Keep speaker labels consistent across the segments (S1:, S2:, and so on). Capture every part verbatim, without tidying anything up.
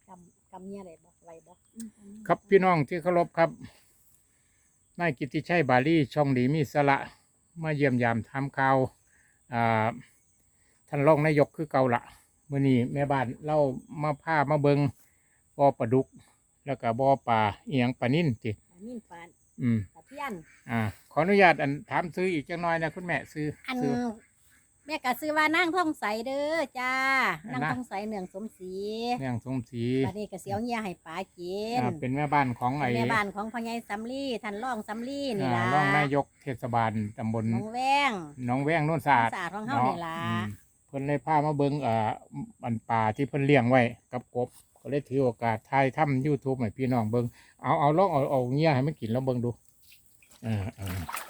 S1: กำกำเนี่ยอะไรบอกอะไรบอก
S2: ครับพี่น้องที่เคารพครับนายกิตติชัยบาลีช่องดีมีสระมาเยี่ยมยามทำข่าวอ่าท่านรองนายกคือเก่าละมื้อนี้แม่บ้านเล่ามาพามาเบิงบ่อปลาดุกแล้วก็บ่อปลาเอียงปลานิ่นติ
S1: นิ่นปาน
S2: อืม
S1: ตะเพียน
S2: อ่าขออนุญาตอันถามซื้ออีกจังน้อยนะคุณแม่ซื้อ
S1: อัน
S2: ซื้อ
S1: แม่ก็ซื้อว่านั่งท่องใสเด้อจ้านั่งท่องใสเนืองสมศรี
S2: เนืองสมศรี
S1: บัดนี้ก็เสียวเงียให้ป๋ากิน
S2: เป็นแม่บ้านของไอ้
S1: แม่บ้านของพ่อใหญ่สำลีท่านรองสำลีนี่ล่ะ
S2: รองนายกเทศบาลตำบล
S1: หนองแวง
S2: หนองแวงโน่นสะอาด
S1: สะอาดของเฮานี่ล่ะ
S2: เพิ่นเลยพามาเบิ่งเอ่ออันป่าที่เพิ่นเลี้ยงไว้กับกบก็เลยถือโอกาสถ่ายทำ YouTube ให้พี่น้องเบิ่งเอาเอาลองเอาเอาเงี้ยให้มันกินแล้วเบิ่งดูอ่าอ่า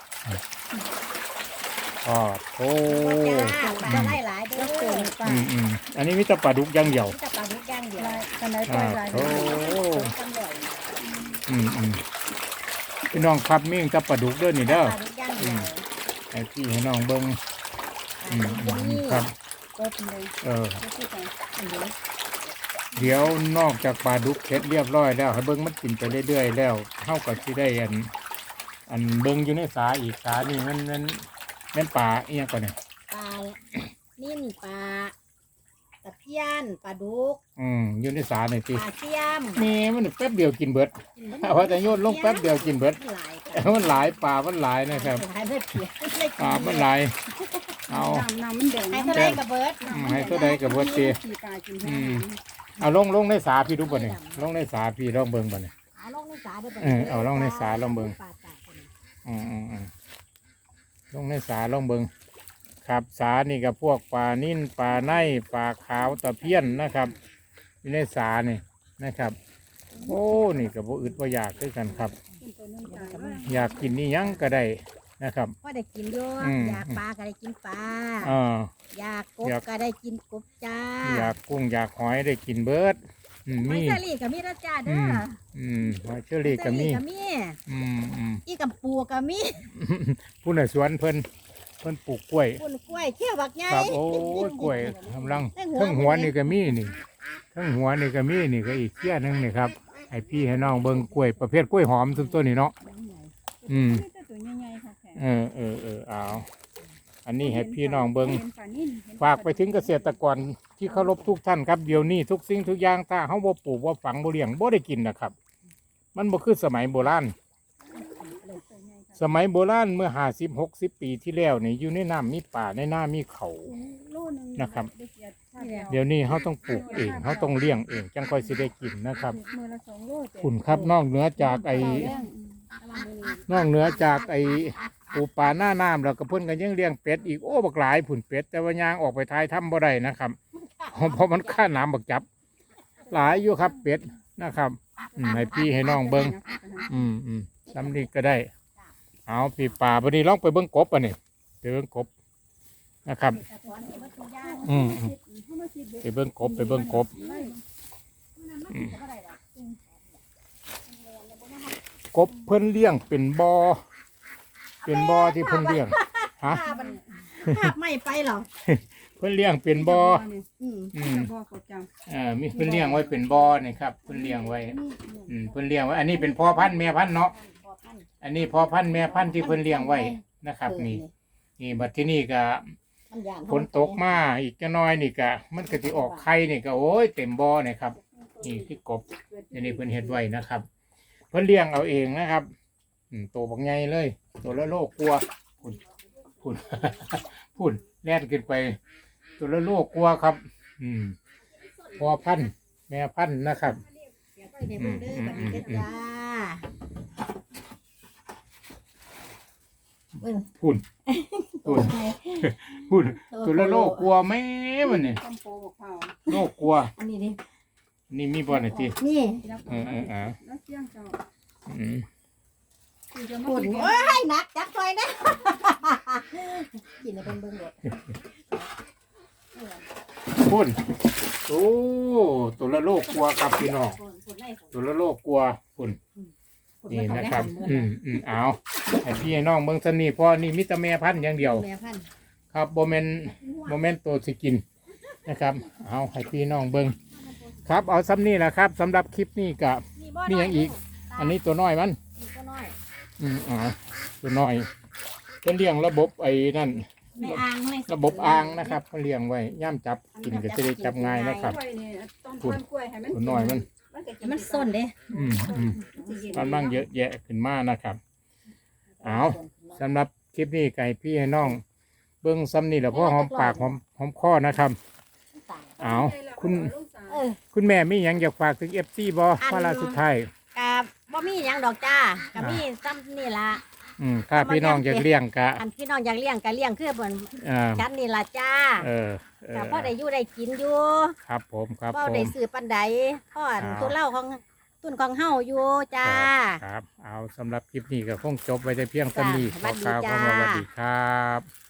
S2: อ๋อโอ้
S1: ปลาไหลหลายเด้อ
S2: อืมอืมอันนี้มีแต่ปลาดุกอย่างเดียว
S1: มีแต่ปลาดุกอย่างเดียวกันไหน
S2: ปล่อยหลายโอ้อืมอืมพี่น้องครับมีแต่ปลาดุกเด้อนี่เด้ออืมให้พี่ให้น้องเบิ่งอืมครับเออเดี๋ยวนอกจากปลาดุกเสร็จเรียบร้อยแล้วให้เบิ้งมันกินไปเรื่อยๆแล้วเท่ากับที่ได้อันอันเบิ้งอยู่ในสาอีกสานี่มันมันมันปลาเอียงก่อนเนี่ย
S1: ปลานิ่นปลาตะเพียนปลาดุก
S2: อืมอยู่ในสาเนี่ยสิ
S1: ปลาเทียม
S2: มีมันแป๊บเดียวกินเบิดเพราะแต่โยนลงแป๊บเดียวกินเบิดมันหลายปลามันหลายนะครับปลามันหลายเอา
S1: ให้เท่าไรกับเบิร์ด
S2: ให้เท่าไรกับเบิร์ดตีเอาลงลงในสาพี่ดูบ่เนี่ยลงในสาพี่ลองเบิ่งบ่เนี่ย
S1: เอาลงในสาด้วย
S2: เออเอาลงในสาลองเบิ่งอืมอืมอืมลงในสาลองเบิ่งครับสานี่กับพวกปลานิ่นปลาไนปลาขาวตะเพียนนะครับอยู่ในสานี่นะครับโอ้นี่กับพวกอึดว่าอยากด้วยกันครับอยากกินนี่ยังก็ได้นะครับ
S1: ก็ได้กินด้วยอยากปลาก็ได้กินปลาอยากกบก็ได้กินกบจ้า
S2: อยากกุ้งอยากหอยได้กินเบิร์ด
S1: มีเชอรี่กับมีราจ้าเด้อ
S2: อืมหอยเชอรี่กับมี
S1: อืมอืมอีกับปูกับมี
S2: ผู้ในสวนเพิ่นเพิ่นปลูกกล้วย
S1: ปลูกกล้วยเที่ยวบักใหญ่
S2: ครับโอ้ยกล้วยกำลังทั้งหัวนี่ก็มีนี่ทั้งหัวนี่ก็มีนี่ก็อีกเที่ยนึงนี่ครับให้พี่ให้น้องเบิ่งกล้วยประเภทกล้วยหอมทุกตัวนี่เนาะอืมเออเออเออเอาอันนี้ให้พี่น้องเบิงฝากไปถึงเกษตรกรที่เคารพทุกท่านครับเดี๋ยวนี้ทุกสิ่งทุกอย่างถ้าเขาบ่ปลูกบ่ฝังบ่เลี้ยงบ่ได้กินนะครับมันบ่คือสมัยโบราณสมัยโบราณเมื่อห้าสิบหกสิบปีที่แล้วนี่อยู่ในน้ำมีป่าในหน้ามีเขานะครับเดี๋ยวนี้เขาต้องปลูกเองเขาต้องเลี้ยงเองจังค่อยสิได้กินนะครับคุณครับนอกเหนือจากไอ้นอกเหนือจากไอ้ปูปลาหน้าน้ำแล้วก็เพิ่นกันยังเลี้ยงเป็ดอีกโอ้บักหลายผุ่นเป็ดแต่ว่ายางออกไปท้ายถ้ำบ่ได้นะครับเพราะมันค่าน้ำบักจับหลายอยู่ครับเป็ดนะครับให้พี่ให้น้องเบิ้งอืมอืมซ้ำนี่ก็ได้เอาพี่ป่าพอดีลองไปเบิ้งกบอ่ะนี่ไปเบิ้งกบนะครับอืมไปเบิ้งกบไปเบิ้งกบกบเพิ่นเลี้ยงเป็นบ่อเป็นบ่อที่เพิ่นเลี้ยงฮะ
S1: ไม่ไปหรอ
S2: เพิ่นเลี้ยงเป็นบ่ออืมอ่ามีเพิ่นเลี้ยงไว้เป็นบ่อนี่ครับเพิ่นเลี้ยงไว้อืมเพิ่นเลี้ยงไว้อันนี้เป็นพ่อพันธุ์แม่พันธุ์เนาะอันนี้พ่อพันธุ์แม่พันธุ์ที่เพิ่นเลี้ยงไว้นะครับนี่นี่บัดที่นี่ก็ฝนตกมาอีกจะน้อยนี่ก็มันก็สิออกไข่นี่ก็โอ้ยเต็มบ่อนี่ครับนี่คือกบอันนี้เพิ่นเฮ็ดไว้นะครับเพิ่นเลี้ยงเอาเองนะครับอืมโตบักใหญ่เลยตัวละโลกลัวพุ่นพุ่นพุ่นแล่นขึ้นไปตัวละโลกกลัวครับอืมพ่อพันธุ์แม่พันธุ์นะครับอืมอืมอืมอืมพุ่นพุ่นพุ่นตัวละโลกกลัวไหมมันเนี่ยโลกกลัว
S1: อันนี้ดิ
S2: นี่มีบอลไหนที
S1: นี่
S2: เออเอออ่าอืม
S1: ปุ่นโอ้ยหนักจับซอยนะกินในเป็นเบิ้งเด็ด
S2: พุ่นโอ้ตัวละโลกกลัวครับพี่น้องตัวละโลกกลัวพุ่นนี่นะครับอืมอืมเอาไอพี่ไอ้น้องเบิ้งสนี่พอนี่มิตรแม่พันธุ์อย่างเดียวครับโบเมนโบเมนตัวสิกินนะครับเอาให้พี่น้องเบิ้งครับเอาซ้ำนี่แหละครับสำหรับคลิปนี้กับ
S1: บ่
S2: มีหยังอีก อันนี้ตัวน้อยมัน
S1: นี่ตัวน้อย
S2: อืมอ่าตัวน้อยเป็นเลี้ยงระบบไอ้นั่น
S1: ในอ่างใน
S2: ระบบอ่างนะครับเขาเลี้ยงไว้ย่ำจับกินก็จะได้จับง่ายนะครับ
S3: กล้วยนี่ต้องต้นกล้วยให้มัน
S2: ตัวน้อยมัน
S3: มันก็
S1: ให้มันส้นเด้
S2: อืมอืมกำลังเยอะแยะขึ้นมานะครับเอาสำหรับคลิปนี้ไก่พี่ให้น้อง เบิ้งซ้ำนี่แหละเพราะหอมปากหอมหอมคอนะครับเอาคุณ
S1: เออ
S2: คุณแม่มีหยังอยากฝากถึงเอฟซีบอมาลาสุดท้าย
S1: กับบ่มีหยังดอกจ้ากับมีซ้ำนี่ล่ะ
S2: อืมถ้าพี่น้องอยากเลี้ยงกะ
S1: อันพี่น้องอยากเลี้ยงก็เลี้ยงคือเพิ่น
S2: อ่า
S1: กันนี่ล่ะจ้า
S2: เออเออ
S1: ก็พอได้อยู่ได้กินอยู่
S2: ครับผมครับ
S1: บ่
S2: ผม
S1: ได้ซื้อปานใดพ่ออัน
S2: อ่า
S1: ตุนเหล้าของตุนของเฮาอยู่จ้า
S2: ครับ เอาสำหรับคลิปนี้ก็คงจบไว้แต่เพียงเท่านี้ข
S1: จ้า
S2: อกล่าว
S1: สวัสดี
S2: คำว่าส
S1: จ้า
S2: วัสดีครับ